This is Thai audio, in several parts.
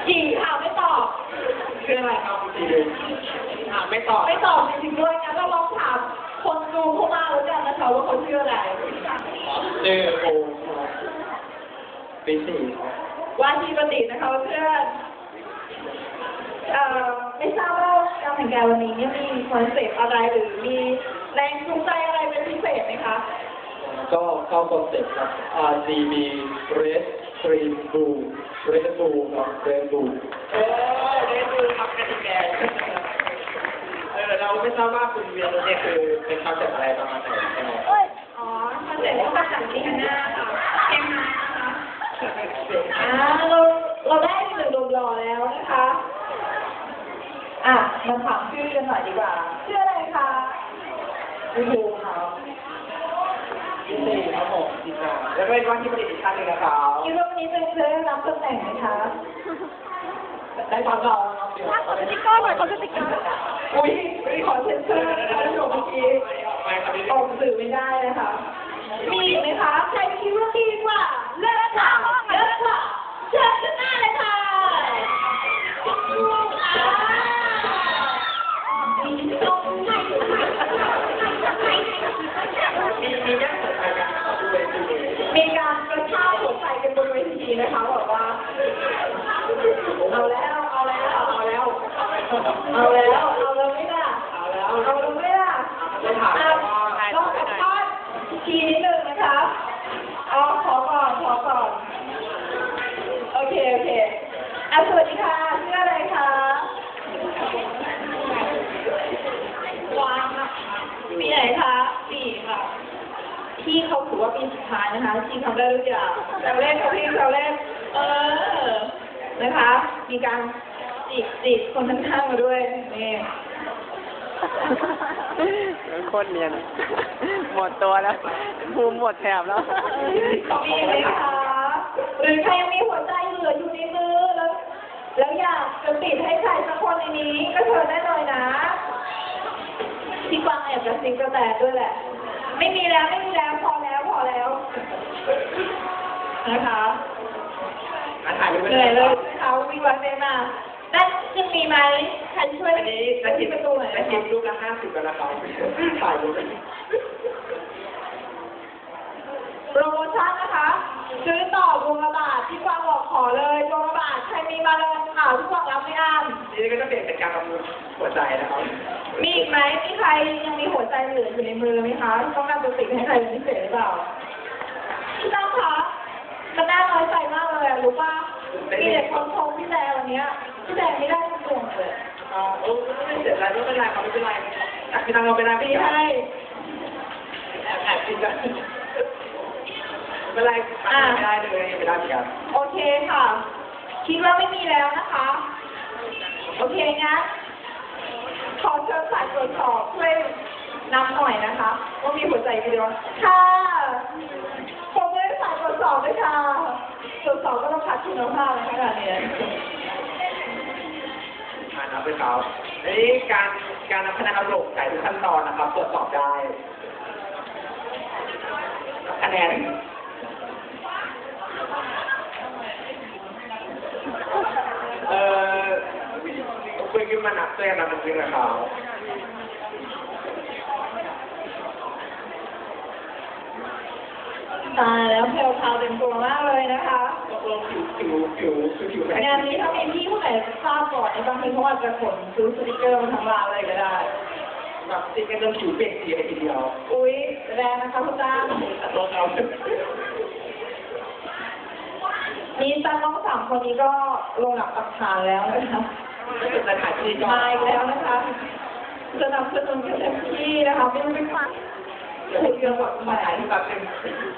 กี่ค่ะไม่ตอบชื่ออะไรครับคุณจีไม่ตอบไม่ตอบจริงๆด้วยงั้นเราลองถามคนดูเข้ามาแล้วกันนะคะว่าเขาชื่ออะไรชื่อโอปีสี่ว่าที่ประดิษฐ์นะคะเพื่อนไม่ทราบว่าการแต่งกายวันนี้เนี่ยมีคอนเซ็ปต์อะไรหรือมีแรงจูงใจอะไรเป็นพิเศษไหมคะก็เข้าคอนเซ็ปต์ครับ RGB Red Green Blue Red Blue ครับ Red Blue Red Blue ครับกระดิ่งแดงเราไม่ทราบว่าคุณเวียนเนี่ยคือเป็นคอนเซ็ปต์อะไรประมาณไหนใช่ไหมอ๋อคอนเซ็ปต์มาจากจีน่าค่ะเอ็มนะคะเราได้หนึ่งหนุ่มหล่อแล้วนะคะมาถามชื่อกันหน่อยดีกว่าชื่ออะไรคะชื่อภูมิครับชื่อสี่ครับผมจีน่าแล้วก็เป็นว่าที่ประดิษฐ์อีกท่านหนึ่งนะครับคิดว่าวันนี้จะได้รับตำแหน่งไหมคะได้ฟังเราขอสติ๊กเกอร์หน่อยขอสติ๊กเกอร์อุ้ยไม่ขอเซ็นเซอร์นะคะท่านผู้ชมเมื่อกี้ออกสื่อไม่ได้นะคะมีไหมคะใครคิดว่าดีกว่าเลิศค่ะเลิศค่ะเชิญขึ้นหน้าเลยค่ะมีการกระชากหัวใจกันบนเวทีนะคะบอกว่าเอาแล้วไม่ล่ะเอาแล้วไม่ล่ะต้องกระชากทีนิดนึงนะคะขอก่อนโอเคสวัสดีค่ะชื่ออะไรคะวางค่ะปีไหนคะปีค่ะพี่เขาถือว่าปีสุดท้ายนะคะพี่ทำได้ทุกอย่างแซวเล่นค่ะพี่แซวเล่นนะคะมีการจีบคนข้างๆมาด้วยนี่โคตรเนียนหมดตัวแล้วภูมิหมดแถบแล้วมีไหมคะหรือใครยังมีหัวใจเหลืออยู่ในมือแล้วอยากจะติดให้ใครสักคนในนี้ก็เชิญได้เลยนะพี่กวางแอบกระซิบกระแตด้วยแหละไม่มีแล้วพอแล้วนะคะเหนื่อยเลยเขาวิ่งวันเดินมานั่นยังมีไหมใครช่วยอันนี้จะคิดประตูหน่อยจะคิดลูกละ50กันนะครับถ่ายรูปโปรโมชั่นนะคะซื้อต่อดวงละบาทที่กวางบอกขอเลยดวงละบาทใครมีมาเลยข่าวที่กวางรับไม่อั้นนี่ก็จะเปลี่ยนเป็นการประมูลหัวใจนะครับมีอีกไหมมีใครยังมีหัวใจเหลืออยู่ในมือไหมคะต้องการจะติดให้ใครเป็นพิเศษหรือเปล่าพี่ตั้งคะมันน่าน้อยใจมากเลยรู้ป่ะมีเด็กคนชมพี่แดงวันนี้พี่แดงไม่ได้ทุกคนเลยไม่เสร็จแล้วไม่เป็นไรครับไม่เป็นไรพี่ตั้งเราเป็นไรไม่ใช่แอบกินกันไม่เป็นไรไม่ได้เลยไม่ได้เหมือนกันโอเคค่ะคิดว่าไม่มีแล้วนะคะโอเคงั้นขอเชิญสายตรวจสอบช่วยนำหน่อยนะคะว่ามีหัวใจกี่ดวงค่ะผมไม่ได้สายตรวจสอบด้วยค่ะตรวจสอบก็ต้องคัดคุณภาพในขนาดนี้นับไปครับอันนี้การนับคะแนนเอาโหลดใส่ทุกขั้นตอนนะครับตรวจสอบได้คะแนนคุยกันมานับตัวอย่างนั้นจริงๆนะครับตายแล้วเพลวพาวเต็มตัวมากเลยนะคะผิวงานนี้ถ้ามีพี่ผู้ไหนทราบก่อนในบางทีเขาอาจจะขนซื้อสติกเกอร์มาทำร้านอะไรก็ได้แบบสติกเกอร์จนผิวเปลี่ยนสีเลยทีเดียวอุ๊ยแรงนะคะคุณจ้าตัวเรานี่ตั้งน้อง3 คนนี้ก็ลงหลักปักฐานแล้วนะคะไม่เป็นสถานที่มาอีกแล้วนะคะจะนำเสนอเต็มที่นะคะไม่ต้องไปฟังคุยกันแบบมาถ่ายที่แบบเป็น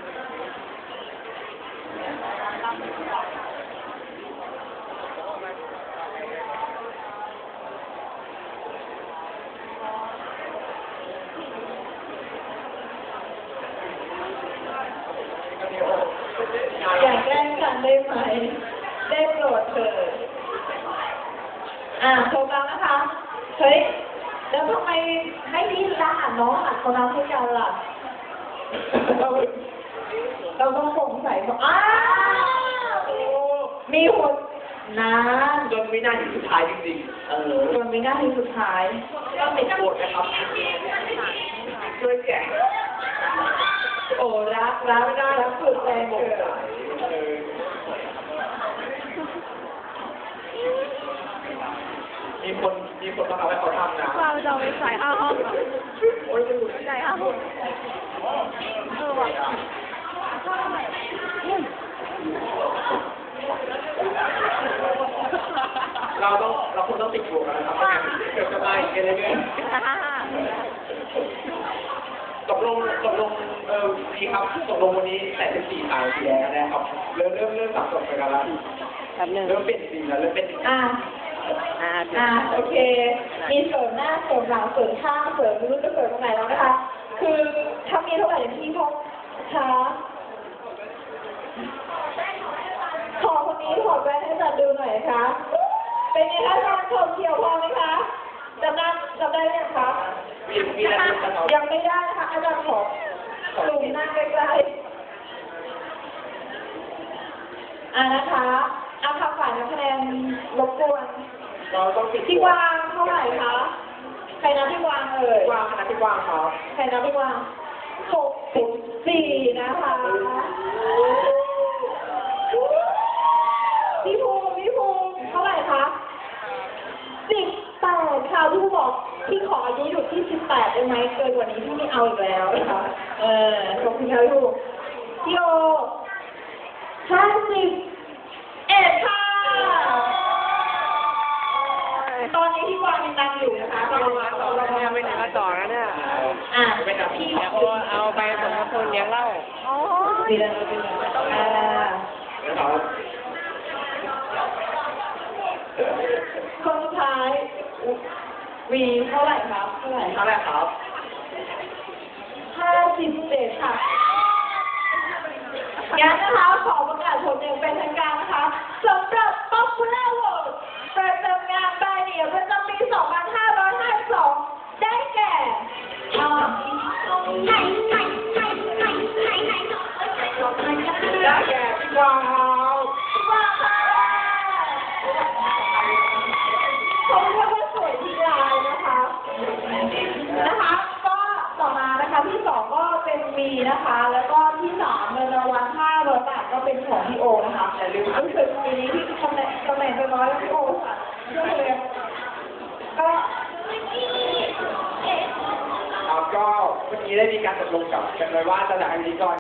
อย่าแกล้งกันได้ไหมได้โปรดเถิดโทรกันนะคะเฮ้ยแล้วทำไมไม่รีบด่าน้องหัดคนนั้นให้กันล่ะเราต้องสงสัยว่ามีหัวนานจนวินาทีสุดท้ายจริงๆจนวินาทีสุดท้ายก็ติดโกรธนะครับช่วยแกะโอ้รักไม่ได้รักสุดแรงเกินมีคนมาทำให้เขาทำนะเราจะเอาไปใส่ห้าห้องเหรอโอ้ยไม่รู้ใส่ห้าห้องว่ะเราคงต้องติดบวกกันนะครับไม่งั้นเกิดจะมาอีกอะไรเงี้ยตกลงดีครับตกลงวันนี้แต่14สายสีแดงแล้วนะครับเริ่มสับสนไปกันแล้วแป๊บหนึงเริ่มเปลี่ยนสีแล้วเริ่มเป็นอ่ะอ่าโอเค มีเสริมหน้าเสริมหลังเสริมข้างเสริมไม่รู้จะเสริมตรงไหนแล้วนะคะ คือถ้ามีเท่าไหร่ที่พกคะขอคนนี้ถอดแว่นให้จัดดูหน่อยนะคะ เป็นไงคะอาจารย์ชมเขียวพอไหมคะจำได้หรือยังคะมีอะไรจะตอบยังไม่ได้นะคะอาจารย์ขอซูมหน้าใกล้ๆนะคะเอาค่ะฝ่ายนับคะแนนรบกวนเราต้องติดพี่กวางเท่าไหร่คะ ใครนับพี่กวางเอ่ยกวางคณะพี่กวางครับใครนับพี่กวาง64นะคะพี่ภูมิเท่าไหร่คะ18ค่ะพี่ภูมิบอกพี่ขออายุอยู่ที่18ได้ไหมเกินกว่านี้พี่ไม่เอาอีกแล้วนะคะขอบคุณค่ะพี่ภูมิพี่โอ51ค่ะ ตอนนี้พี่กวางยังนำอยู่นะคะเนี่ยไม่ถึงมาต่อแล้วเนี่ยพี่เดี๋ยวเอาไปสมทบทุนเลี้ยงเหล้าโอ้ยดีแล้วนะครับคนสุดท้ายวีเท่าไหร่ครับเท่าไหร่เท่าไหร่ครับ 57ค่ะงั้นนะคะขอประกาศผลอย่างเป็นทางการนะคะสำหรับ Popular Vote ประจำงานปลายเดี่ยวประจำปี 2552 ได้แก่ได้แก่พี่กวางครับพี่กวางค่ะเขาเรียกว่าสวยที่ลายนะคะก็ต่อมานะคะที่สองก็เป็นมีนะคะ แล้วก็ที่สามเงินรางวัล500 บาทก็เป็นของพี่โอนะคะแต่ลืมรู้สึกปีนี้ที่ตำแหน่งจะน้อยแล้วพี่โอค่ะเชื่อเลยก็ครับก็เมื่อกี้ได้มีการตกลงกับกันไว้ว่าจะจัดพิธีกร